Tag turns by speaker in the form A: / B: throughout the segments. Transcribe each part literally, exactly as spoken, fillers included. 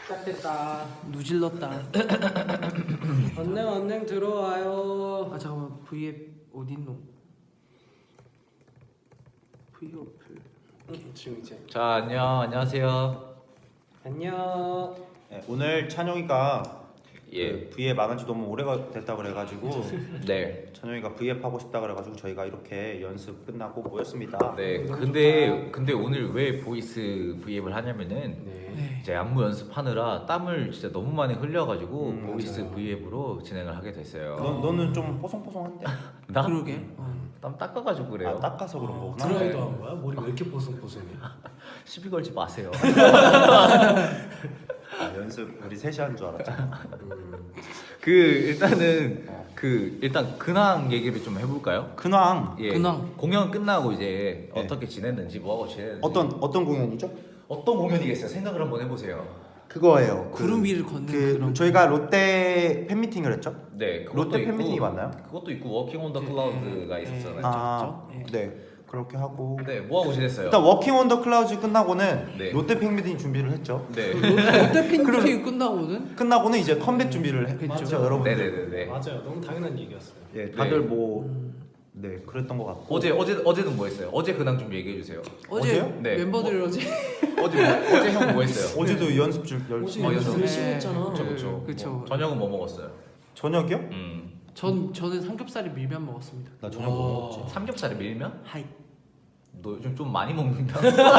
A: 시작됐다.
B: 누질렀다.
A: 언능 언능 들어와요.
B: 아 잠깐만 V앱 어딨노? V어플.
A: 지금 이제
C: 자 안녕 안녕하세요.
A: 안녕.
D: 네, 오늘 찬영이가
C: 예.
D: 그 V앱 안 한지 너무 오래가 됐다 그래가지고
C: 네.
D: 찬영이가 V앱 하고 싶다 그래가지고 저희가 이렇게 연습 끝나고 모였습니다.
C: 네.
A: 너무
C: 근데 근데 오늘 왜 보이스 V앱을 하냐면은
A: 네.
B: 네.
C: 이제 안무 연습하느라 땀을 진짜 너무 많이 흘려가지고
D: 음,
C: 보이스
A: 맞아요.
C: V앱으로 진행을 하게 됐어요.
D: 너, 너는 좀 뽀송뽀송한데?
C: 나?
B: 그러게. 어.
C: 땀 닦아가지고 그래요.
D: 아, 닦아서 그런 거구나.
A: 드라이도 한 거야? 머리 왜 이렇게 뽀송뽀송해?
C: 시비 걸지 마세요.
D: 아, 연습 우리 셋이 한 줄 알았잖아.
A: 음.
C: 그 일단은
D: 어.
C: 그 일단 근황 얘기를 좀 해볼까요?
D: 근황
C: 예.
B: 근황.
C: 공연 끝나고 이제
D: 네.
C: 어떻게 지냈는지 뭐하고 지냈는지
D: 어떤 어떤 공연이죠?
C: 어떤 공연이겠어요? 생각을 한번 해보세요.
D: 그거예요.
B: 구름 위를 걷는
D: 그
B: 그런.
D: 저희가 롯데 팬미팅을 했죠?
C: 네, 그것도
D: 롯데
C: 있고,
D: 팬미팅이 맞나요?
C: 그것도 있고 워킹 온 더
B: 네,
C: 클라우드가
B: 네,
C: 있었잖아요.
B: 네.
D: 아,
B: 예.
D: 네 그렇게 하고
C: 네, 뭐 하고 지냈어요?
D: 일단 워킹 온 더 클라우드 끝나고는
C: 네.
D: 롯데 팬미팅 준비를 했죠.
C: 네,
B: 롯데 팬미팅 끝나고는
D: 끝나고는 이제 컴백 준비를 했죠,
B: 그쵸.
D: 여러분들.
C: 네네네네.
A: 맞아요. 너무 당연한 얘기였어요.
D: 예, 다들
C: 네.
D: 뭐
B: 음,
D: 네, 그랬던 것 같고.
C: 어제 어제 어제는 뭐 했어요? 어제 근황 좀 얘기해 주세요.
B: 어제
D: 어제요?
C: 네.
B: 멤버들 어제
C: 어제 뭐, 어제 형 뭐 했어요?
D: 어제도 연습 중
A: 어제
D: 열심히
C: 어,
A: 연습
C: 연습.
A: 열심히 했잖아.
C: 그쵸 그쵸.
B: 그쵸.
C: 뭐, 저녁은 뭐 먹었어요?
D: 저녁이요?
C: 음,
B: 전 저는 삼겹살에 밀면 먹었습니다.
D: 나 저녁 뭐
A: 와.
D: 먹었지?
C: 삼겹살에 밀면?
B: 하이.
C: 너 요즘 좀 많이 먹는다.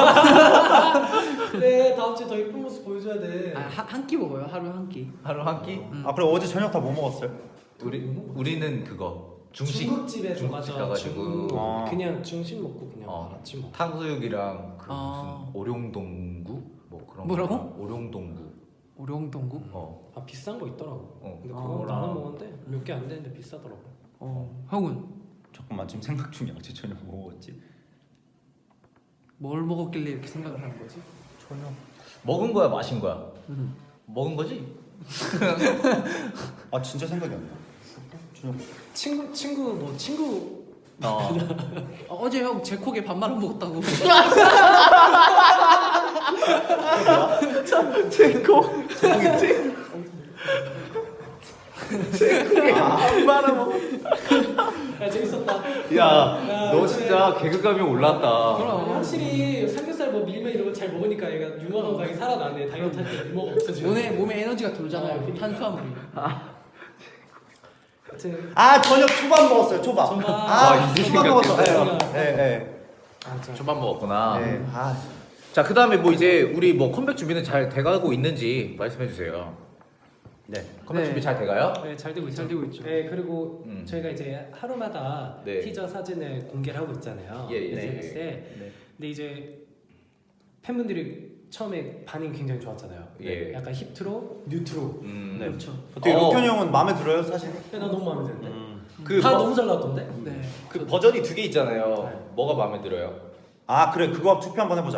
A: 그래 다음 주에 더 이쁜 모습 보여줘야 돼.
B: 아한 끼 먹어요. 하루 한 끼.
C: 하루 한 끼?
B: 음.
D: 아 그래 어제 저녁 다 뭐 먹었어요?
C: 우리 우리는 그거 중식
A: 중국집에서
C: 중국집
A: 맞아.
C: 가가지고
A: 중국.
D: 아.
A: 그냥 중식 먹고 그냥
C: 어.
A: 아침 먹고.
C: 탕수육이랑 그
B: 아.
C: 무슨 오룡동구 뭐 그런
B: 뭐라고?
C: 거. 오룡동구.
B: 오룡동구.
C: 어.
A: 아 비싼 거 있더라고.
C: 어.
A: 근데
B: 아.
A: 그거 나눠 먹었는데 몇 개 안 되는데 비싸더라고.
B: 어. 형은
D: 잠깐만 지금 생각 중이야. 어제 저녁 뭐 먹었지?
B: 뭘 먹었길래 이렇게 생각을 하는 거지?
D: 저녁.
C: 먹은 거야, 마신 거야?
B: 음.
C: 먹은 거지?
D: 아 진짜 생각이 안 나. 저녁.
A: 친구 친구 뭐 친구
C: 어.
B: 어, 어제 형 제 콕에 밥 말아 먹었다고.
C: 제코.
D: 아,
C: 말아먹어.
A: 야 재밌었다.
C: 야, 너 진짜 개그감이 올랐다.
B: 그럼.
A: 확실히 삼겹살 뭐 밀면 이런 거 잘 먹으니까 얘가 유머 감각이 살아나네. 다이어트 할 때 유머가 없어지네.
B: 몸에 몸에 에너지가 돌잖아요.
A: 어, 그러니까.
B: 탄수화물이.
A: 하여튼
D: 아 저녁 초밥 먹었어요. 초밥.
A: 초밥.
D: 아
C: 아, 이제
D: 초밥
C: 생각했어.
D: 먹었어. 네, 네,
A: 맞아.
C: 초밥 먹었구나.
D: 네. 네. 아
C: 자, 그 다음에 뭐 이제 우리 뭐 컴백 준비는 잘 돼가고 있는지 말씀해 주세요.
D: 네.
C: 컴백
B: 네.
C: 준비 잘 돼가요?
A: 네, 잘 되고 있죠.
B: 잘 되고 있죠.
A: 네, 그리고
C: 음.
A: 저희가 이제 하루마다
C: 네.
A: 티저 사진을 공개를 하고 있잖아요.
C: 예, 예,
A: 에스엔에스에.
D: 네.
A: 근데 이제 팬분들이 처음에 반응이 굉장히 좋았잖아요.
C: 예.
A: 약간 힙트로, 뉴트로.
C: 음.
D: 네.
B: 그렇죠.
D: 어떻게
C: 어.
D: 록현이 형은 마음에 들어요 사실?
A: 네, 나 너무 마음에 드는데.
D: 음.
C: 그
A: 다
C: 버-
A: 너무 잘 나왔던데?
B: 네.
C: 그 버전이 두 개 있잖아요.
A: 네.
C: 뭐가 마음에 들어요?
D: 아 그래 그거 투표 한번 해보자.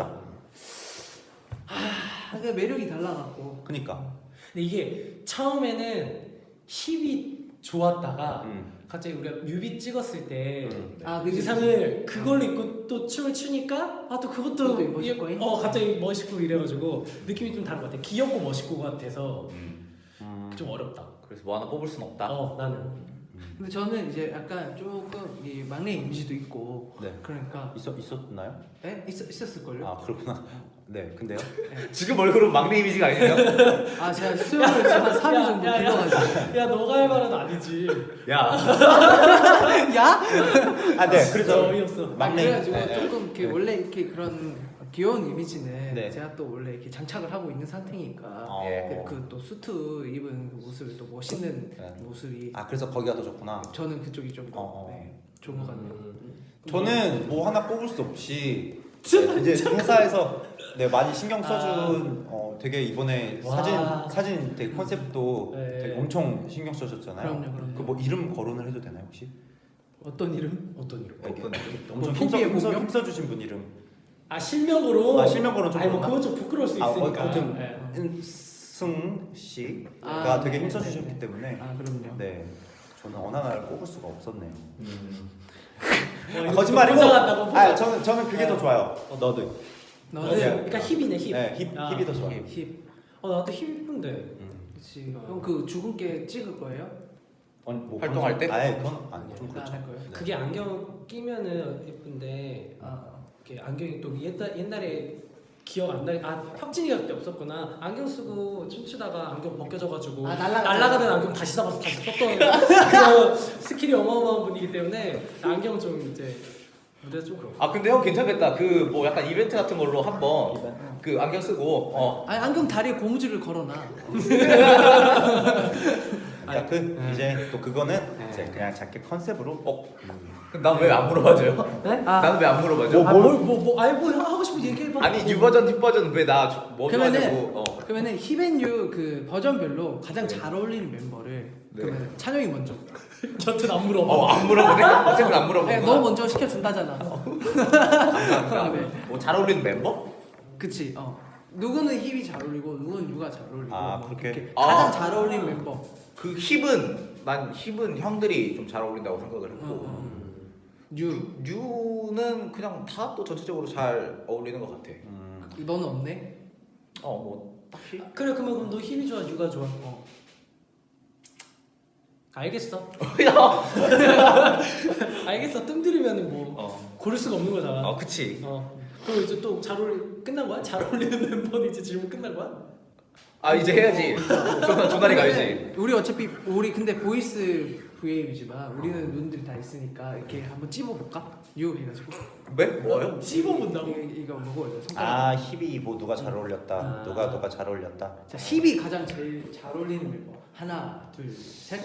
B: 아, 근데 매력이 달라갖고.
D: 그니까.
A: 근데 이게 처음에는 힙이 좋았다가
D: 음.
A: 갑자기 우리가 뮤비 찍었을 때
D: 음.
B: 아, 그
A: 의상을 그걸로 입고 또 춤을 추니까 아 또 그것도
B: 그것도 멋있고,
A: 이- 어 갑자기 멋있고 이래가지고 느낌이 좀 다른 것 같아. 귀엽고 멋있고 같아서
C: 음.
D: 음.
A: 좀 어렵다.
C: 그래서 뭐 하나 뽑을 순 없다.
A: 어 나는
B: 근데 저는 이제 약간 조금 이 막내 이미지도 있고.
D: 네.
B: 그러니까
D: 있었 있었나요?
B: 네? 있, 있었을걸요?
D: 아 그렇구나. 네. 근데요?
C: 지금 얼굴은 막내 이미지가 아니에요?
B: 아 제가 수영을 지금 한 삼 일 정도
A: 야, 야,
B: 길러가지고.
A: 야 너가 할 말은 아니지.
C: 야,
B: 야?
D: 아 네.
A: 진짜
D: 그래서
A: 어이없어.
B: 아,
D: 막내.
B: 그래가지고
D: 네, 네.
B: 조금 이렇게
D: 네.
B: 원래 이렇게 그런 귀여운 이미지는
D: 네.
B: 제가 또 원래 이렇게 장착을 하고 있는 상태니까
D: 어.
C: 예.
B: 그 또 수트 입은 그 모습이 또 멋있는
D: 네.
B: 모습이
D: 아 그래서 거기가 더 좋구나.
B: 저는 그쪽이 좀 더
D: 어.
B: 네, 좋은 것 같네요.
A: 음.
D: 저는 뭐 하나 뽑을 수 없이 네, 이제 회사에서 네 많이 신경 써준 어 되게 이번에
A: 와.
D: 사진 사진 되게 컨셉도
A: 네.
D: 되게 엄청 신경 써줬잖아요.
B: 그럼요, 그럼요.
D: 그 뭐 이름 거론을 해도 되나요 혹시?
B: 어떤 이름?
A: 어떤 이름?
D: 이렇게
C: 어떤
D: 엄청
B: 뭐
D: 힘써
B: 포기해
D: 힘써
B: 보면?
D: 힘써주신 분 이름.
A: 아 실명으로?
D: 아, 실명으로는 좀
A: 아니 뭐
D: 그런가?
A: 그건 좀 부끄러울 수
D: 아,
A: 있으니까.
D: 아무튼
A: 네.
D: 승 씨가
B: 아,
D: 되게
B: 네,
D: 힘써주셨기
B: 네, 네.
D: 때문에
B: 아 그럼요.
D: 네 저는 어느 하나를 뽑을 수가 없었네요.
C: 음.
A: 어,
D: 아,
A: 이거
D: 거짓말이고.
A: 포장한다고
D: 아 저는 저는 그게
A: 네.
D: 더 좋아요. 어, 너도.
B: 너는
D: 네.
A: 그러니까 힙이네 힙.
D: 네, 힙
A: 아,
D: 힙이 더 좋아요.
B: 힙.
A: 어 어 나도 힘 이쁜데.
D: 음.
B: 그렇지. 형 그 죽은 깨 찍을 거예요?
D: 아니, 뭐
C: 활동할 때?
D: 아예 그건 아니 좀
B: 안
D: 그렇죠.
B: 할 거예요?
A: 그게 안경 끼면은 예쁜데
B: 아,
A: 이렇게 안경이 또 옛날 옛날에 기억 안 나. 아 혁진이가 그때 없었구나. 안경 쓰고 춤추다가 안경 벗겨져가지고
B: 아, 날아가-
A: 날아가는 안경 다시 잡아서 다시 썼던 그런 스킬이 어마어마한 분이기 때문에 안경 좀 이제 무대에서 좀 그렇고.
C: 아 근데 형 괜찮겠다. 그 뭐 약간 이벤트 같은 걸로 한번 그 안경 쓰고 어
B: 아니 안경 다리에 고무줄을 걸어놔.
D: 그러니까 그
A: 네.
D: 이제 또 그거는
A: 네.
D: 이제 그냥 자켓 컨셉으로
C: 어. 난 왜 안 물어봐줘요?
A: 네?
C: 나는 왜 안 물어봐줘?
A: 아, 뭘, 뭐, 뭐, 아니, 뭐, 하고 싶은 얘기 해봐.
C: 아니 뉴 버전, 뒷 버전 왜 나 뭐
B: 그러면은
C: 좋아하냐고. 어.
B: 그러면은 힙앤유 그 버전별로 가장 잘 어울리는 멤버를
C: 네.
B: 그러면 찬영이 먼저.
A: 저한테 안 물어봐.
C: 어, 안 물어보네. 어쨌든 안 물어보네.
B: 네, 너 먼저 시켜준다잖아.
C: 감사합니다.
B: 네.
C: 뭐 잘 어울리는 멤버?
B: 그치. 어. 누구는 힙이 잘 어울리고 누구는 유가 잘 어울리고.
D: 아,
B: 뭐
D: 그렇게?
B: 가장
C: 아.
B: 잘 어울리는 멤버.
C: 그 힙은 난 힙은 형들이 좀 잘 어울린다고 생각을 했고
B: 어, 어. 유.
C: 뉴는 그냥 다 또 전체적으로 잘 어울리는 것 같아.
D: 음.
B: 너는 없네.
C: 어 뭐 딱히.
A: 그래, 그러면 그럼 너 힘이 좋아, 유가 좋아? 어. 알겠어.
C: 야.
A: 알겠어. 뜸 들이면 뭐
C: 어.
A: 고를 수가 없는 거잖아.
C: 어 그치.
A: 어. 그럼 이제 또 잘 어울리 끝난 거야? 잘 어울리는 멤버는 이제 질문 끝난 거야?
C: 아 이제 해야지. 조나 조나리 가야지.
B: 우리 어차피 우리 근데 보이스 브이앱이지만 우리는 눈들이 다 있으니까 이렇게 한번 찝어볼까? 유 해가지고.
C: 왜? 뭐요?
A: 씹어본다고?
B: 이거, 이거 뭐고 이거 손가락.
D: 아 힙이 뭐 누가 잘 어울렸다
A: 아.
D: 누가 누가 잘 어울렸다
B: 자, 힙이 가장 제일 잘 어울리는 멤버. 하나, 둘, 셋.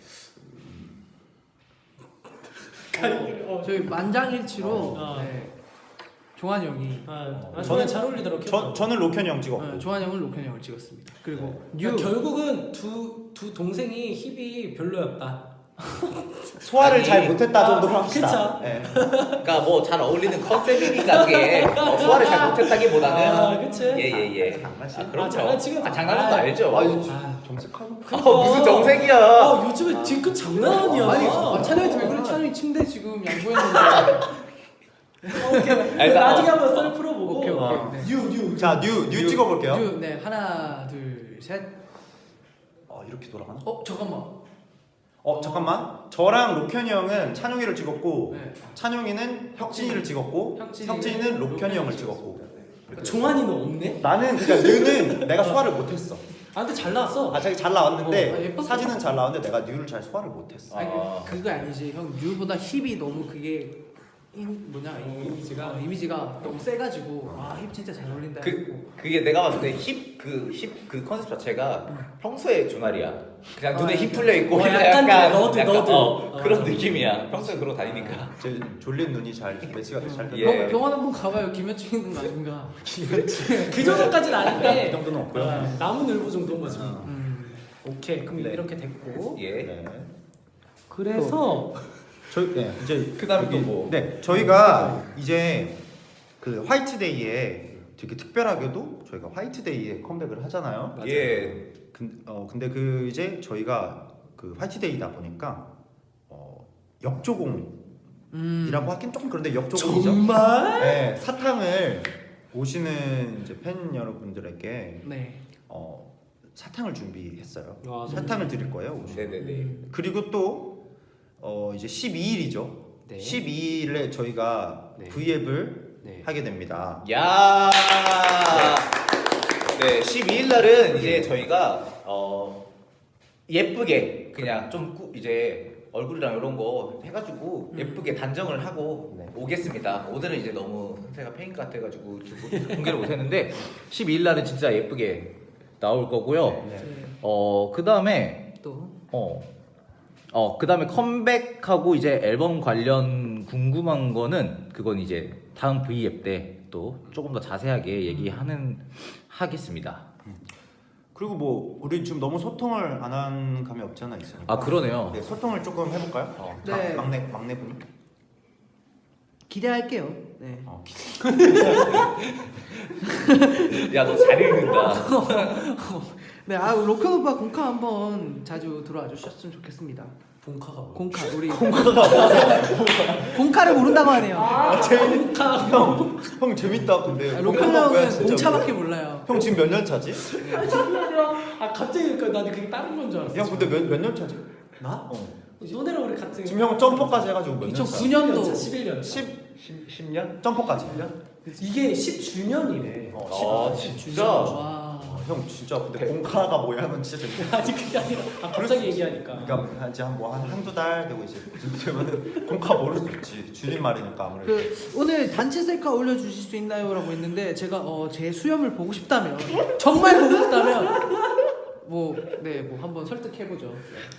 A: 어.
B: 저희 만장일치로
A: 어.
B: 네. 조한 형이
A: 아, 아
D: 저는-
A: 저는 잘 어울리더라고.
D: 저, 저는 로켄 형 찍었고
B: 어, 조한 형은 로켄 형을 찍었습니다. 그리고 유
A: 그러니까 결국은 두, 두 동생이 힙이 별로였다.
D: 소화를
C: 아니,
D: 잘 못했다
A: 아,
D: 정도로 합시다
A: 그쵸.
D: 예.
C: 그러니까 뭐 잘 어울리는 컨셉이니까 그게 어, 소화를 잘 못했다기보다는
A: 아, 그치?
C: 예예예.
D: 장난치는
C: 아, 그럼요.
A: 아, 장난치는
C: 아, 장난은 거
A: 아,
C: 알죠.
A: 아,
D: 정색하고
C: 아, 무슨 정색이야?
A: 아, 요즘에 뒤끝 장난 아니야.
B: 아니 아, 찬영이 왜 그래? 찬영이 침대 지금 양보했는데.
A: 오케이.
C: 일단,
A: 나중에
C: 어,
A: 한번
C: 어.
A: 썰 풀어보고.
B: 오케이 오케이.
D: 어.
B: 네.
A: 뉴, 뉴.
D: 자, 뉴, 뉴 찍어볼게요.
B: 유, 네 하나, 둘, 셋.
D: 어, 이렇게 돌아가나?
B: 어 잠깐만.
D: 어, 잠깐만. 저랑 로켄이 형은 찬용이를 찍었고,
B: 네.
D: 찬용이는 혁진이를 찍었고,
B: 혁진이는
D: 혁진이는 로켄이 형을
B: 로켄이
D: 찍었고.
A: 종환이는 없네?
D: 나는 그러니까 뉴는 내가 소화를 못했어.
A: 아, 근데 잘 나왔어.
D: 아, 자기 잘 나왔는데
B: 어, 아, 예뻤어.
D: 사진은 잘 나왔는데 내가 뉴를 잘 소화를 못했어.
B: 아니
C: 아.
B: 그, 그거 아니지 형 유보다 힙이 너무 그게 인, 뭐냐
A: 어,
B: 이-
A: 이미지가?
B: 어, 이미지가 너무 세가지고 와힙 진짜 잘 어울린다.
C: 그 그게 내가 봤을 때 힙 그 힙 그 컨셉 자체가 평소에 조나리야. 그냥 눈에
B: 아,
C: 힙 풀려 있고
A: 어,
C: 그냥
A: 약간
C: 약간
A: 너드,
C: 약간,
A: 너드.
C: 어,
A: 어.
C: 그런 느낌이야. 평소에 그러고 다니니까.
D: 제 졸린 눈이 잘 매치가 잘
C: 예.
D: 됐다.
B: 병, 병원 한번 가봐요. 김여친 있는 거 아닌가?
A: 그 정도까지는 아닌데.
D: 이 정도는 없고요.
A: 아, 나무늘보 정도인 거지. 뭐.
B: 음.
A: 오케이. 그럼
D: 네.
A: 이렇게 됐고.
C: 예.
D: 네.
A: 그래서
D: 저희 네, 이제
C: 그다음에 또
D: 여기-
C: 뭐?
D: 네, 저희가 이제 그 화이트데이에 되게 특별하게도 저희가 화이트데이에 컴백을 하잖아요.
C: 예.
D: 근, 어, 근데 그 이제 저희가 그 화이트데이다 보니까 어, 역조공이라고
B: 음.
D: 하긴 조금 그런데 역조공이죠.
A: 정말?
D: 네, 사탕을 오시는 이제 팬 여러분들에게
B: 네.
D: 어, 사탕을 준비했어요.
A: 와, 너무
D: 사탕을 드릴 거예요. 오시면.
C: 네네네.
B: 음.
D: 그리고 또 어, 이제 십이 일이죠.
A: 네.
D: 십이 일에 저희가
A: 네.
D: 브이앱을
A: 네.
D: 하게 됩니다.
C: 야. 네, 십이 일 날은 이제 저희가 어 예쁘게 그냥 좀 꾸, 이제 얼굴이랑 이런 거 해가지고
B: 음.
C: 예쁘게 단정을 하고
D: 네.
C: 오겠습니다. 오늘은 이제 너무 상태가 페인 같아가지고 지금 공개를 못했는데 십이 일 날은 진짜 예쁘게 나올 거고요.
D: 네.
B: 네.
C: 어, 그 다음에
B: 또
C: 어, 어, 그 다음에 컴백하고 이제 앨범 관련 궁금한 거는 그건 이제 다음 브이앱 때 또 조금 더 자세하게 얘기하는 하겠습니다.
D: 그리고 뭐 우리 지금 너무 소통을 안 한 감이 없지 않아 있으니까.
C: 아 그러네요.
D: 네, 소통을 조금 해볼까요? 어,
B: 네.
D: 막, 막내 막내 분이.
B: 기대할게요. 네.
D: 어, 기-
C: 야 너 잘 읽는다.
B: 네, 아 로켓 오빠 공카 한번 자주 들어와 주셨으면 좋겠습니다.
A: 공카가 뭐?
B: 공카 우리 공카를 모른다고 하네요.
A: 아 공카.
D: 형, 형 재밌다 근데.
B: 아, 로컬
D: 공카가 뭐야,
B: 형은
D: 진짜.
B: 공차밖에 몰라요.
D: 형 지금 몇 년 차지?
A: 아 갑자기 그러니까 나는 그게 다른 건 줄 알았어.
D: 형 근데 몇 몇 년 차지?
A: 나?
D: 어.
A: 너네랑 우리 같은.
D: 지금 형 점퍼까지 해가지고 몇 년 차?
B: 이천구 년도
A: 십일 년.
D: 십, 십 년? 점퍼까지 일 년?
A: 이게 십 주년이래.
D: 어,
C: 아 진짜.
B: 와.
D: 형 진짜 근데 공카가 뭐야 하면 진짜 재밌다.
A: 아니 그게 아니라 아, 갑자기 얘기하니까.
D: 그러니까 이제 한뭐한 한두 달 되고 이제 되면은 공카 모를 수 있지. 줄임말이니까 아무래도.
B: 그 오늘 단체 셀카 올려주실 수 있나요?라고 했는데 제가 어, 제 수염을 보고 싶다면 정말 보고 싶다면 뭐 네 뭐 한번 설득해 보죠.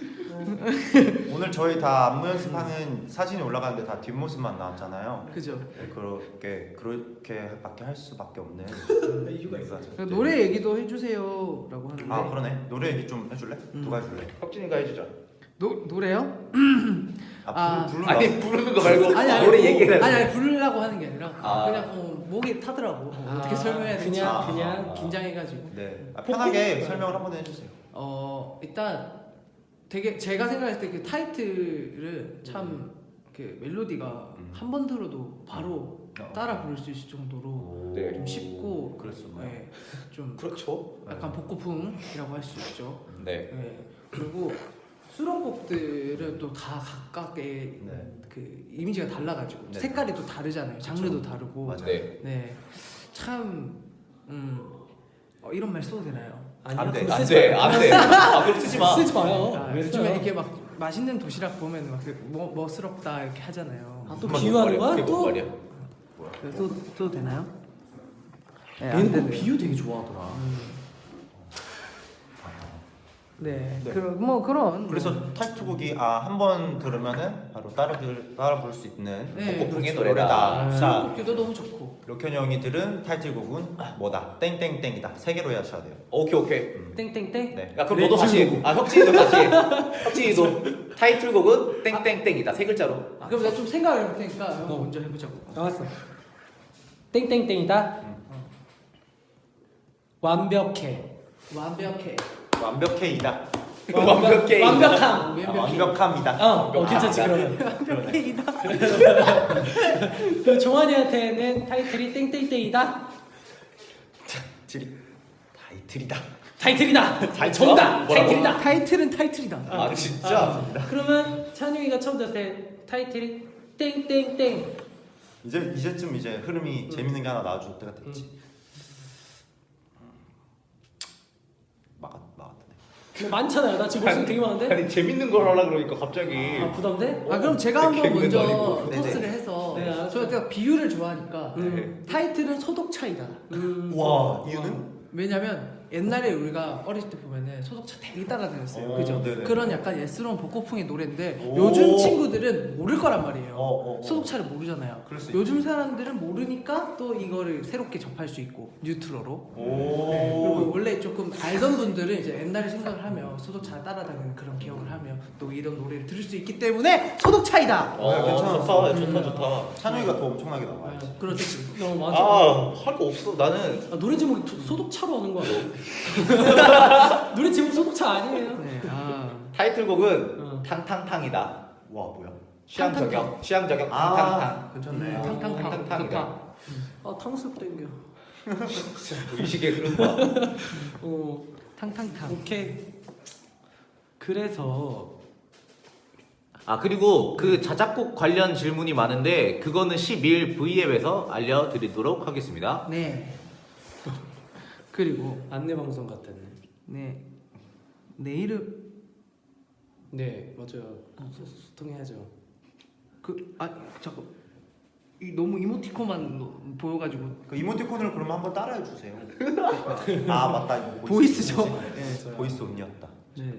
D: 오늘 저희 다 안무 연습하는 사진이 올라가는데 다 뒷모습만 나왔잖아요.
B: 그죠?
D: 네, 그렇게 그렇게밖에 할 수밖에 없는
A: 이유가 있어.
D: 네.
B: 그러니까 노래 얘기도 해주세요라고 하는데
D: 아 그러네. 노래 얘기 좀 해줄래?
B: 음.
D: 누가 해줄래?
C: 혁진이가 해주자.
B: 노 노래요?
D: 아,
B: 아,
D: 부르, 부르라.
C: 아니 부르는 거 말고
B: 아니 아니
C: 노래
B: 뭐,
C: 얘기를.
B: 아니 아니 부르려고 하는 게 아니라
C: 아.
B: 그냥 어, 목이 타더라고. 어, 어떻게
A: 아,
B: 설명해야 될지
A: 그냥
D: 아,
A: 그냥
D: 아,
B: 긴장해가지고.
D: 네. 아, 편하게
A: 복고?
D: 설명을 한번 해주세요.
B: 어 일단 되게 제가 생각할 때 그 타이틀은 참 그 멜로디가
D: 음.
B: 한 번 들어도 바로
D: 어.
B: 따라 부를 수 있을 정도로
C: 네.
B: 좀 쉽고
D: 그랬었나요?
B: 네, 좀
C: 그렇죠.
B: 약간 복고풍이라고 할 수 있죠.
C: 네.
B: 네. 그리고 수록곡들은 또 다 각각의
D: 네.
B: 그 이미지가 달라가지고
D: 네.
B: 색깔이 또 다르잖아요. 장르도 다르고.
D: 맞아요.
C: 네.
B: 네. 참 음. 어, 이런 말 써도 되나요?
A: 아니요,
D: 안 돼,
A: 그거
C: 안
A: 쓰지
C: 돼,
A: 마요.
C: 안 돼. 아 그럼 쓰지 마.
A: 쓰지 마요.
B: 아,
A: 왜
B: 요즘에
A: 써요?
B: 이렇게 막 맛있는 도시락 보면 막뭐 멋스럽다 이렇게 하잖아요.
A: 아, 또
C: 뭔
A: 비유하는
C: 말이야?
A: 거야?
C: 그게 뭔
A: 또?
C: 말이야?
B: 써도, 써도 되나요? 네, 안
A: 멘붕
B: 되네요.
A: 비유 되게 좋아하더라.
B: 음. 네.
D: 네.
B: 그런 뭐 그런
D: 그래서
B: 뭐.
D: 타이틀곡이 아 한 번 들으면은 바로 따라 들 따라 부를 수 있는
B: 네,
C: 복고풍의
B: 그렇죠.
C: 노래다.
D: 자,
B: 곡도 너무 좋고.
D: 록현이 형이 들은 타이틀곡은 뭐다? 땡땡땡이다. 세 개로 하셔야 돼요.
C: 오케이 오케이.
D: 음.
A: 땡땡땡.
D: 네.
C: 야 그럼 너도 다시 해. 아 혁진이도 다시 해. 혁진이도 타이틀곡은 땡땡땡이다 세 글자로.
B: 아, 그럼 내가 좀 생각을 해볼 테니까 형
A: 어.
B: 먼저 해보자고.
A: 나왔어. 땡땡땡이다.
D: 음.
A: 완벽해.
B: 완벽해.
D: 완벽해이다.
C: 완벽해.
A: 완벽함.
D: 아,
B: 완벽해.
D: 완벽합니다.
A: 어, 어 괜찮지 그러면.
B: 완벽해이다.
A: 그 종환이한테는 타이틀이 땡땡땡이다.
D: 지리 타이틀이다.
A: 타이틀이다.
C: 타이틀?
A: 정답.
C: 뭐라고?
A: 타이틀이다.
B: 타이틀은 타이틀이다.
C: 아 진짜.
A: 아, 그러면 찬용이가 처음 들었을 때 타이틀이 땡땡땡.
D: 이제 이제쯤 이제 흐름이 재밌는 게 하나 나와줄 때가 됐지. 막았 막았네.
A: 근데 많잖아요. 나 지금 목소리 되게 많은데.
C: 아니 재밌는 걸 하려 그러니까 갑자기.
A: 아 부담돼?
B: 아 그럼 제가 한번
C: 개그맨도
B: 먼저
C: 아니고.
B: 토스를
D: 네네.
B: 해서
A: 네, 알았어요.
B: 저가 비유를 좋아하니까
A: 음.
B: 타이틀은 소독 차이다.
A: 음.
D: 와 이유는?
B: 왜냐면 옛날에 우리가 어렸을 때 보면은 소독차 되게 따라다녔어요.
D: 오,
B: 그죠?
D: 네네.
B: 그런 약간 예스러운 복고풍의 노래인데
D: 오.
B: 요즘 친구들은 모를 거란 말이에요.
D: 어, 어, 어.
B: 소독차를 모르잖아요.
D: 그럴 수
B: 요즘 사람들은 모르니까 또 이거를 새롭게 접할 수 있고 뉴트로로.
D: 오.
B: 네, 그리고 원래 조금 알던 분들은 이제 옛날에 생각을 하며 소독차 따라다니는 그런 기억을 하며 또 이런 노래를 들을 수 있기 때문에 소독 차이다.
C: 어,
D: 야, 괜찮아.
C: 좋다 좋다 좋다.
D: 찬우이가 더 엄청나게 나와야지.
B: 그렇지.
A: 너무 많아.
C: 아할 거 없어 나는.
A: 아, 노래 제목이 소- 소독차로 하는 거 아니야? 노래 제목 소독차 아니에요?
B: 네. 아.
C: 타이틀곡은
A: 어.
C: 탕탕탕이다.
D: 와 뭐야?
C: 취향
B: 탕탕탕.
C: 저격. 취향 저격
D: 아
C: 탕탕탕.
D: 괜찮네.
B: 음, 탕탕탕.
C: 탕탕탕이다.
A: 아 탕수육 땡겨.
C: 의식의 흐름과.
A: 어
B: 탕탕탕.
A: 오케이. 그래서
C: 아 그리고 그 자작곡 관련 질문이 많은데 그거는 십일 브이앱에서 알려드리도록 하겠습니다.
B: 네. 그리고
A: 안내 방송 같았네.
B: 네. 내일은
A: 네 맞아요. 소, 소통해야죠.
B: 그 아 잠깐 이 너무 이모티콘만 노- 보여가지고
D: 그 이모티콘을 그러면 한번 따라해 주세요. 아 맞다 이거
B: 보이스죠?
D: 보이스,
B: 네.
D: 보이스 음이었다.
B: 네.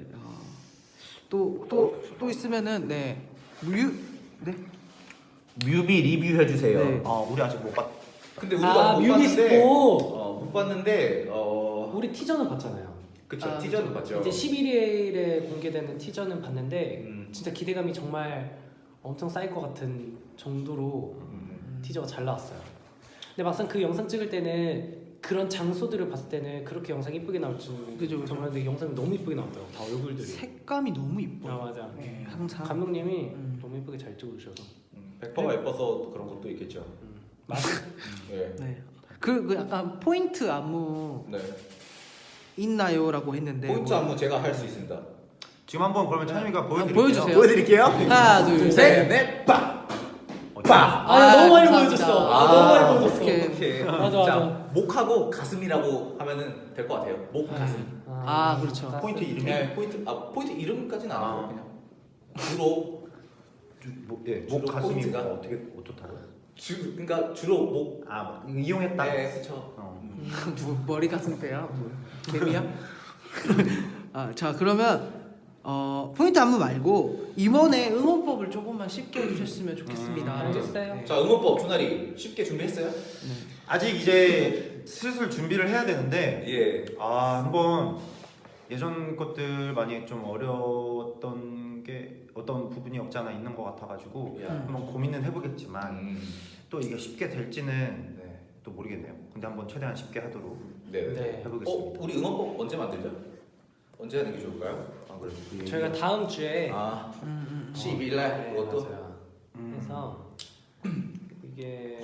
B: 또또 또 있으면은 네 뮤 네.
C: 뮤비 리뷰 해주세요.
B: 네.
D: 아 우리 아직 못 봤.
C: 근데
A: 아
C: 못
A: 뮤비
C: 봤는데,
A: 스포.
C: 어, 못 봤는데 어
A: 우리 티저는 봤잖아요.
C: 그쵸
B: 아,
C: 티저는 봤죠.
A: 이제 십일 일에 공개되는 티저는 봤는데
C: 음.
A: 진짜 기대감이 정말 엄청 쌓일 것 같은 정도로
C: 음.
A: 티저가 잘 나왔어요. 근데 막상 그 영상 찍을 때는 그런 장소들을 봤을 때는 그렇게 영상이 이쁘게 나올 줄
B: 그죠, 그죠.
A: 정말 근데 영상이 너무 이쁘게 나왔더라고 다 얼굴들이.
B: 색감이 너무 이뻐.
A: 아 맞아.
B: 네, 항상.
A: 감독님이
B: 음.
A: 너무 이쁘게 잘 찍어주셔서.
D: 백 퍼센트 예뻐서 그런 것도 있겠죠.
A: 음. 맞아.
D: 네.
B: 네. 그, 그 약간 포인트 안무
C: 네.
B: 있나요라고 했는데
C: 포인트
B: 뭐-
C: 안무 제가 할 수 있습니다.
D: 지금 한번 그러면 찬이가 보여드릴게요.
B: 보여주세요.
C: 보여드릴게요.
B: 하나, 둘, 셋.
C: 넷, 빠,
D: 어,
C: 빠.
A: 아, 야, 너무 많이
B: 감사합니다.
A: 보여줬어. 아, 너무 많이 보여줬어.
B: 오케이.
C: 오케이.
A: 맞아,
C: 자,
A: 맞아.
C: 목하고 가슴이라고 하면은 될 것 같아요. 목, 가슴.
B: 아, 그렇죠.
D: 포인트 이름이
C: 네, 포인트. 아, 포인트 이름까지는 안 하고
D: 아.
C: 그냥 주로
D: 주, 뭐, 예,
C: 주로
D: 목 가슴이
C: 포인트가?
D: 어떻게 어떻다고요?
C: 주 그러니까 주로 목.
D: 아, 막 이용했다.
C: 네, 그렇죠.
D: 어.
B: 뭐, 머리 가슴 빼야? 뭐, 개미야? 아, 자 그러면 어, 포인트 안무 말고 이번에 응원법을 조금만 쉽게 해주셨으면 좋겠습니다.
D: 음,
A: 알겠어요.
B: 네.
C: 자, 응원법 준하리 쉽게 준비했어요?
D: 아직 이제 슬슬 준비를 해야 되는데
C: 예.
D: 아 한번 예전 것들 많이 좀 어려웠던 게 어떤 부분이 없지 않아 있는 것 같아가지고
C: 야.
D: 한번 고민은 해보겠지만
C: 음.
D: 또 이게 쉽게 될지는
C: 네.
D: 또 모르겠네요. 근데 한번 최대한 쉽게 하도록
C: 네. 네.
A: 네.
D: 해보겠습니다.
C: 어, 우리 응원법 언제 만들죠? 언제 하는 게 좋을까요? 안 그래도.
A: 저희가 다음 주에
C: 아,
B: 음, 음,
C: 십이 일 날
A: 네,
C: 그것도.
A: 맞아요.
D: 음.
A: 그래서 이게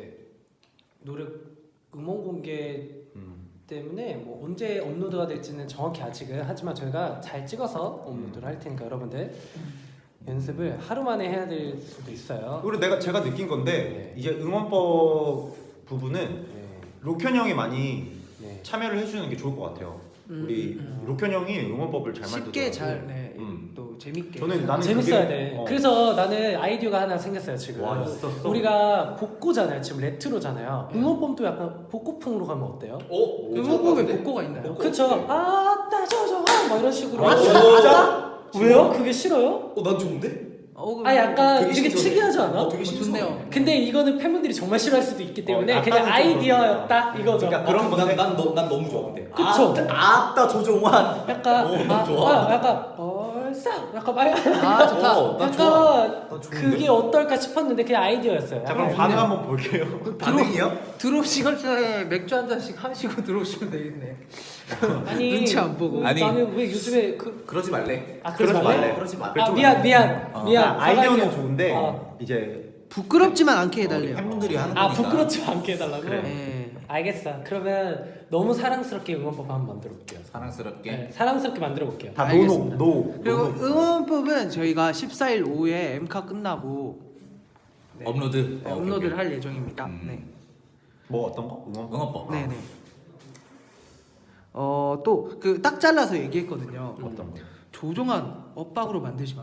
A: 노래 음원 공개
D: 음.
A: 때문에 뭐 언제 업로드가 될지는 정확히 아직은 하지만 저희가 잘 찍어서 업로드를 할 테니까 여러분들 연습을 하루 만에 해야 될 수도 있어요.
D: 그리고 내가 제가 느낀 건데
A: 네.
D: 이제 응원법 부분은
A: 네.
D: 로켄 형이 많이
A: 네.
D: 참여를 해주는 게 좋을 것 같아요.
B: 음,
D: 우리
B: 음,
D: 로켄 형이 응원법을 잘 만들더라고요.
B: 쉽게 잘, 네,
D: 음.
B: 또 재밌게.
D: 저는 나는
A: 재밌어야
D: 그게-
A: 돼.
D: 어.
A: 그래서 나는 아이디어가 하나 생겼어요 지금.
D: 와, 있었어?
A: 우리가 복고잖아요. 지금 레트로잖아요. 응원법도 약간 복고풍으로 가면 어때요?
C: 오,
B: 응원법에 복고가 있나요?
C: 복고?
A: 그쵸?
C: 네.
A: 아따 저저 막 이런 식으로.
C: 아,
A: 진짜? 왜요? 그게 싫어요?
C: 어, 난 좋은데?
B: 어,
A: 아 약간
C: 되게
A: 되게,
C: 신선해.
A: 특이하지 않아?
C: 어, 되게
B: 어,
C: 신선해.
B: 좋네요.
A: 근데 이거는 팬분들이 정말 싫어할 수도 있기 때문에
D: 어,
A: 그냥
D: 약간은
A: 아이디어였다 이거죠.
D: 그러니까
C: 아,
D: 그런
C: 그럼
D: 건데.
C: 난, 난, 너, 난 너무 좋아 근데.
A: 그쵸?
C: 아, 아따 조종환.
A: 약간
C: 오, 난
A: 아,
C: 좋아.
A: 아, 약간 벌써 약간 말
B: 아 좋다.
C: 어, 난
A: 약간
C: 좋아. 난 좋은데?
A: 그게 어떨까 싶었는데 그냥 아이디어였어요.
D: 자 그럼
A: 약간
D: 반응 한번 볼게요.
C: 반응이요?
B: 들어오시건 전에 맥주 한 잔씩 하시고 들어오시면 되겠네.
A: 아니
B: 눈치 안 보고.
A: 그,
C: 아니.
A: 나는 왜 요즘에 그
C: 그러지 말래.
A: 아 그러지
D: 그러지
A: 말래?
D: 말래.
C: 그러지 마.
A: 아 미안 미안
C: 어.
A: 미안
D: 아, 아이디어는
A: 사과할게요.
D: 좋은데
A: 어.
D: 이제
B: 부끄럽지만 않게
C: 우리
B: 해달래요.
C: 팬분들이 하는
A: 아
C: 거니까.
A: 부끄럽지 않게 해달라고?
D: 그래.
B: 네.
A: 알겠어. 그러면 너무 사랑스럽게 응원법 한번 만들어 볼게요.
C: 사랑스럽게.
A: 네, 사랑스럽게 만들어 볼게요.
D: 다 노노
B: 알겠습니다.
D: 노.
B: 그리고
D: 노노.
B: 응원법은 저희가 십사 일 오후에 엠카 끝나고 네,
C: 업로드.
B: 네,
C: 어,
B: 업로드를
C: 오케이,
B: 할 예정입니다.
C: 음.
B: 네.
D: 뭐 어떤 거? 응원?
C: 응원법.
B: 네네. 어 또 그 딱 잘라서 얘기했거든요.
D: 어떤 거?
B: 조종한 엇박으로 만들지 마.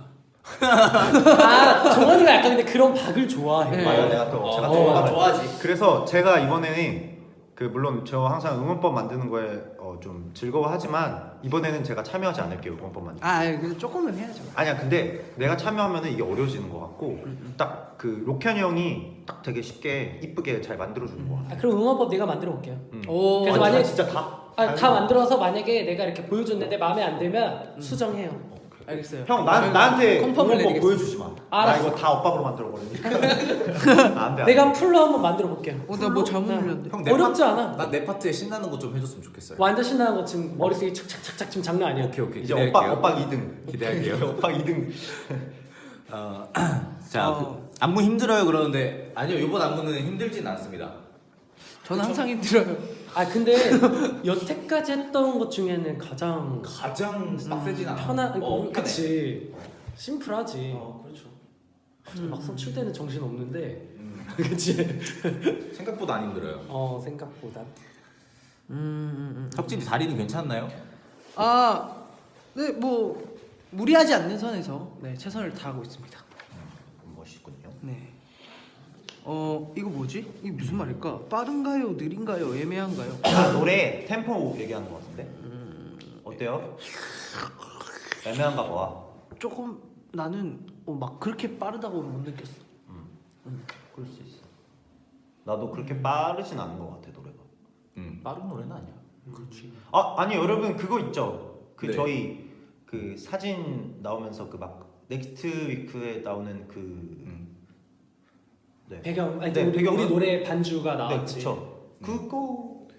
A: 아 정원이가 약간 근데 그런 박을 좋아해.
B: 네.
D: 맞아 내가 또 제가
C: 어,
D: 또
C: 나
D: 어,
C: 좋아하지.
D: 그래서 제가 이번에는 그 물론 저 항상 응원법 만드는 거에 어, 좀 즐거워하지만 이번에는 제가 참여하지 않을게요 응원법 만들.
B: 아 그래도 조금은 해야죠.
D: 아니야 근데 내가 참여하면은 이게 어려워지는 것 같고 딱 그 로켄 형이 딱 되게 쉽게 이쁘게 잘 만들어주는 것 같아.
A: 아, 그럼 응원법 내가 만들어 볼게요.
D: 음.
B: 오.
A: 그래서
D: 아,
A: 만약에-
D: 진짜 다?
A: 아, 다 만들어서 만약에 내가 이렇게 보여줬는데 마음에 안 들면 수정해요.
B: 알겠어요.
D: 형 나, 나한테
B: 컨펌을
D: 응원법
B: 해드리겠습니다.
D: 보여주지 마. 나
A: 알았어.
D: 이거 다 엇박으로 만들어 버리니까. 안돼.
A: 내가 풀로 한번 만들어 볼게요.
B: 어, 나 뭐 잘못 눌렸는데.
C: 형, 내
A: 어렵지
C: 파-
A: 않아.
C: 난 내 파트에 신나는 거 좀 해줬으면 좋겠어요.
A: 완전 신나는 거 지금 머릿속에 착착착착 지금 장난 아니야.
C: 오케이 오케이.
D: 이제
C: 기대할게요.
D: 엇박 엇박 이 등.
C: 기대할게요.
D: 엇박 이 등.
C: 어, 자,
B: 어.
C: 그, 안무 힘들어요 그러는데 아니요 이번 안무는 힘들진 않습니다.
B: 저는 항상 힘들어요.
A: 아 근데 여태까지 했던 것 중에는 가장
C: 가장 빡세진 않아.
A: 편한
C: 어,
A: 어, 그치 심플하지.
C: 어, 그렇죠.
A: 음. 막상 출 때는 정신 없는데
C: 음,
A: 그치.
C: 생각보다 안 힘들어요.
A: 어 생각보다.
B: 음, 음, 음.
C: 혁진이 다리는 괜찮나요?
B: 아, 네, 뭐 무리하지 않는 선에서 네 최선을 다하고 있습니다.
D: 멋있군요.
B: 네. 어, 이거 뭐지? 이게 무슨 말일까? 빠른가요, 느린가요, 애매한가요?
D: 아, 노래 템포 얘기하는 것 같은데. 어때요? 애매한가 봐.
B: 조금 나는 어, 막 그렇게 빠르다고 못 느꼈어.
D: 음.
B: 음, 그럴 수 있어.
D: 나도 그렇게 빠르진 않은 것 같아 노래가.
C: 음, 빠른 노래는 아니야.
A: 그렇지.
D: 아 아니 여러분 그거 있죠. 그
C: 네.
D: 저희 그 사진 나오면서 그 막 넥스트 위크에 나오는 그
C: 음.
D: 네.
A: 배경 아니
D: 네,
A: 우리,
D: 배경은?
A: 우리 노래 반주가
D: 네
A: 나왔지.
D: 그쵸. 그거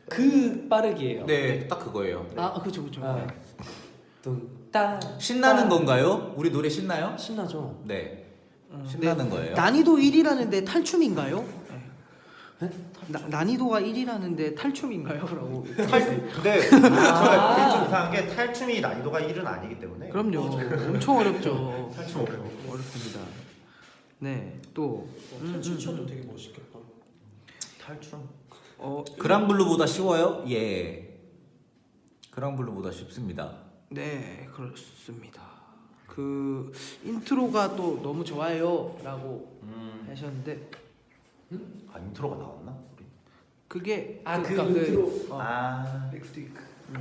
A: 그 빠르기예요.
C: 네, 딱 그거예요.
B: 아 그쵸 그쵸.
A: 아, 뚱따
C: 신나는 건가요? 우리 노래 신나요?
A: 신나죠.
C: 네.
B: 음,
C: 신나는
B: 네.
C: 거예요.
B: 난이도 일이라는데 탈춤인가요? 네. 나, 난이도가 일이라는데 탈춤인가요? 라고.
D: 탈 근데
A: 아.
D: 제가 그게 좀 이상한 게 탈춤이 난이도가 일은 아니기 때문에.
B: 그럼요. 엄청 어렵죠.
D: 탈춤 어려워.
B: 어렵습니다. 네, 또 음, 음,
A: 되게 멋있겠다.
D: 탈춤.
B: 어,
C: 그랑블루보다 쉬워요? 예. 그랑블루보다 쉽습니다.
B: 네, 그렇습니다. 그 인트로가 또 너무 좋아요라고
D: 음.
B: 하셨는데
D: 아 인트로가 나왔나? 우리?
B: 그게
A: 아, 그
B: 그러니까
A: 인트로.
B: 어,
D: 아.
A: 넥스트위크.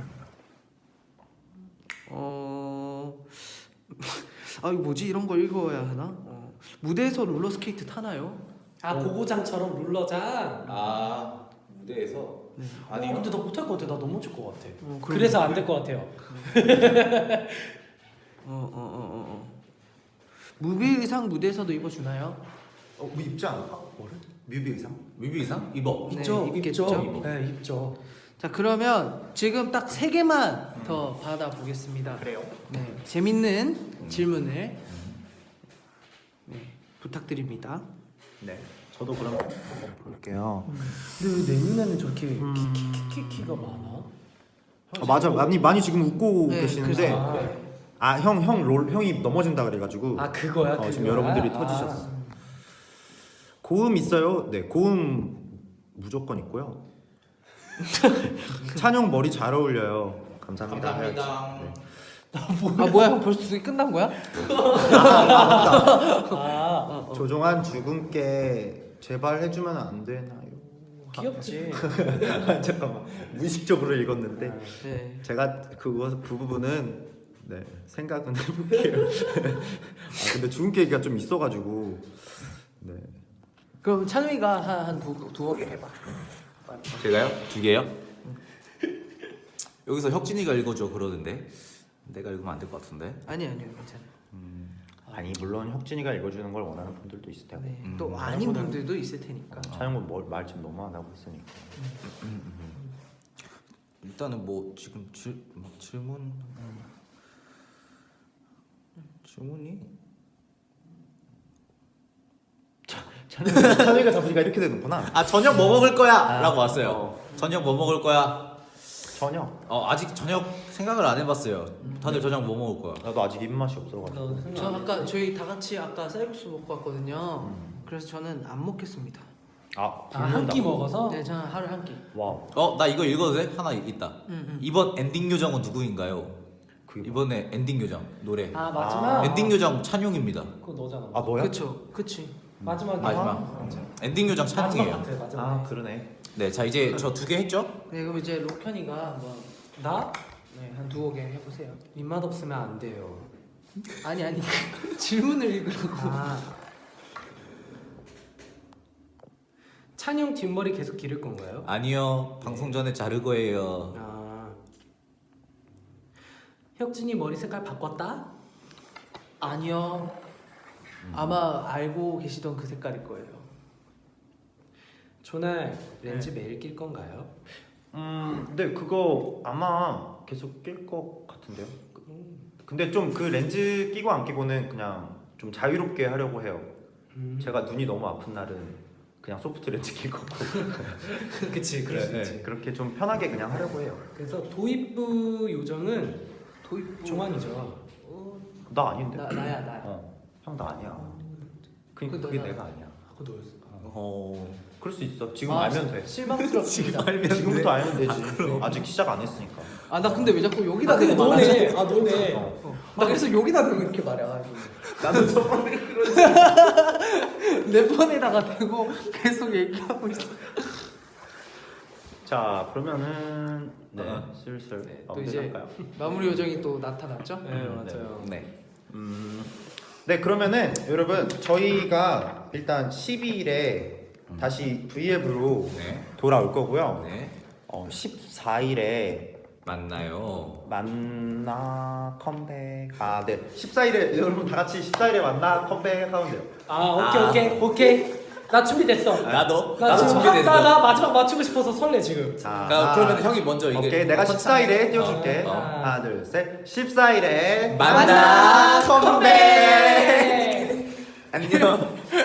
B: 어, 아 이거 뭐지 이런 걸 읽어야 하나? 어, 무대에서 롤러스케이트 타나요?
A: 아 고고장처럼 룰러장.
C: 아, 무대에서?
B: 네.
A: 아니 근데 나 못할 것 같아. 나 넘어질 것 같아.
B: 어, 그럼-
A: 그래서 안 될 것 같아요.
B: 어, 어, 어, 어, 어. 무비 의상 무대에서도 입어주나요?
D: 어, 우리 입지 않을까? 뭐를? 뮤비 의상?
C: 뮤비 이상? 입어.
B: 네,
A: 입죠,
B: 입겠죠.
A: 입죠. 네, 입죠.
B: 자 그러면 지금 딱 세 개만 더 받아보겠습니다.
D: 그래요?
B: 네, 재밌는 질문을 네, 부탁드립니다.
D: 네. 저도 그럼 볼게요.
A: 근데 왜 내 눈에는 저렇게
D: 음.
A: 키키키키가 많아?
D: 아, 맞아. 많이 많이 지금 웃고
B: 네,
D: 계시는데
B: 그래서-
D: 아 형 형 롤 형이 넘어진다 그래가지고
A: 아 그거야.
D: 어, 지금
A: 그거야?
D: 여러분들이
A: 아.
D: 터지셨어. 고음 있어요? 네, 고음 무조건 있고요. 찬용 머리 잘 어울려요. 감사합니다.
C: 감사합니다.
D: 네.
B: 아 뭐야 형 벌써 둘이 끝난 거야?
A: 아
B: 어,
D: 조종한 죽음께 제발 해주면 안 되나요?
A: 귀엽지.
D: 잠깐만 무의식적으로 읽었는데
B: 네.
D: 제가 그거 그 부분은 네 생각은 해볼게요. 아 근데 죽음께 얘기가 좀 있어가지고 네.
B: 그럼 찬우이가 한두 두어 개 해봐.
C: 제가요? 두 개요? 여기서 혁진이가 읽어줘 그러는데 내가 읽으면 안 될 것 같은데.
B: 아니 아니요 괜찮아.
D: 아니 물론 혁진이가 읽어주는 걸 원하는 분들도 있을 테고
B: 네.
C: 음.
B: 또 아닌 분들도 있을 테니까.
D: 차영은 말 지금 너무 안 하고 있으니까
C: 일단은 뭐 지금 질, 막 질문 음. 질문이
D: 찬영이가 찬영이가 잡으니까 이렇게 되는구나.
C: 아 저녁 뭐 먹을 거야?라고
D: 아,
C: 왔어요.
D: 어.
C: 저녁 뭐 먹을 거야?
D: 저녁
C: 어 아직 저녁 생각을 안 해봤어요. 다들 저녁 뭐 먹을 거야?
D: 나도 아직 입맛이 없어가지고
A: 너 생각
B: 저
A: 안 해?
B: 아까 저희 다 같이 아까 쌀국수 먹고 왔거든요. 그래서 저는 안 먹겠습니다.
D: 아
A: 아, 한 끼 먹어서?
B: 네, 저는 하루 한 끼.
D: 와우
C: 어 나 이거 읽어도 돼? 하나 있다.
B: 응, 응.
C: 이번 엔딩 요정은 누구인가요?
D: 그게
C: 이번에 엔딩 요정 노래.
A: 아 마지막.
D: 아.
C: 엔딩 요정 찬용입니다.
A: 그거 너잖아.
D: 아 너야?
B: 그쵸, 그치.
A: 마지막에.
C: 마지막. 엔딩 요정
A: 마지막
C: 찬용이에요.
A: 같아. 마지막.
D: 아 그러네.
C: 네, 자 이제 저 두 개 했죠?
B: 네, 그럼 이제 로현이가 한번
A: 나
B: 네, 한 두어 개 해보세요.
A: 입맛 없으면 안 돼요.
B: 아니 아니 질문을 읽으라고.
A: 아. 찬용 뒷머리 계속 기를 건가요?
C: 아니요, 방송 전에 자를 거예요.
A: 아. 혁진이 머리 색깔 바꿨다?
B: 아니요. 아마 알고 계시던 그 색깔일 거예요.
A: 조날 렌즈 매일 낄 건가요?
D: 음 근데 그거 아마 계속 낄 것 같은데요. 근데 좀 그 렌즈 끼고 안 끼고는 그냥 좀 자유롭게 하려고 해요.
A: 음.
D: 제가 눈이 너무 아픈 날은 그냥 소프트 렌즈 끼고
A: 그치 그럴 수
D: 네,
A: 있지.
D: 네, 그렇게 좀 편하게 그냥 하려고 해요.
A: 그래서 도입부 요정은
B: 도입부.
A: 종환이죠.
B: 어,
D: 나 아닌데.
B: 나 나야 나.
D: 어, 형 나 아니야. 그
B: 그
D: 그게
B: 너다.
D: 내가 아니야.
A: 하고 너였어.
C: 어,
D: 그럴 수 있어. 지금
B: 아,
D: 알면 돼.
B: 실망스럽습니다.
D: 지금부터 알면 되지. 아직 시작 안 했으니까.
B: 아 나 근데 왜 자꾸 여기다
A: 아 근데
B: 대고 말하지?
A: 너네. 아 너네.
B: 어. 나 그래서 여기다 대고 이렇게 말해가지고
D: 나도 저번에 그런.
B: 내 폰에다가 대고 계속 얘기하고 있어.
D: 자 그러면은 네
C: 어.
D: 슬슬
B: 네, 또
D: 마무리
B: 이제
D: 할까요?
B: 마무리 요정이 또 나타났죠?
A: 네 맞아요.
C: 네.
D: 음, 네 그러면은 여러분 저희가 일단 십이 일에 다시 브이앱으로
C: 네.
D: 돌아올 거고요.
C: 네.
D: 어, 십사 일에
C: 만나요.
D: 만나 컴백. 아 네. 십사 일에 여러분 다 같이 십사 일에 만나 컴백 하면 돼요.
A: 아 오케이
C: 아.
A: 오케이 오케이. 나 준비됐어.
E: 나도
A: 나
E: 나도
A: 지금
E: 준비됐어.
A: 나, 나 마지막 맞추고 싶어서 설레 지금.
D: 자,
E: 자, 그러면 형이 먼저 이게
D: 오케이, 내가
E: 컨-
D: 십사 일에 띄워줄게.
E: 어, 어.
D: 하나, 둘, 셋. 십사 일에
E: 만나 컴백.
A: 컴백.
D: 안녕.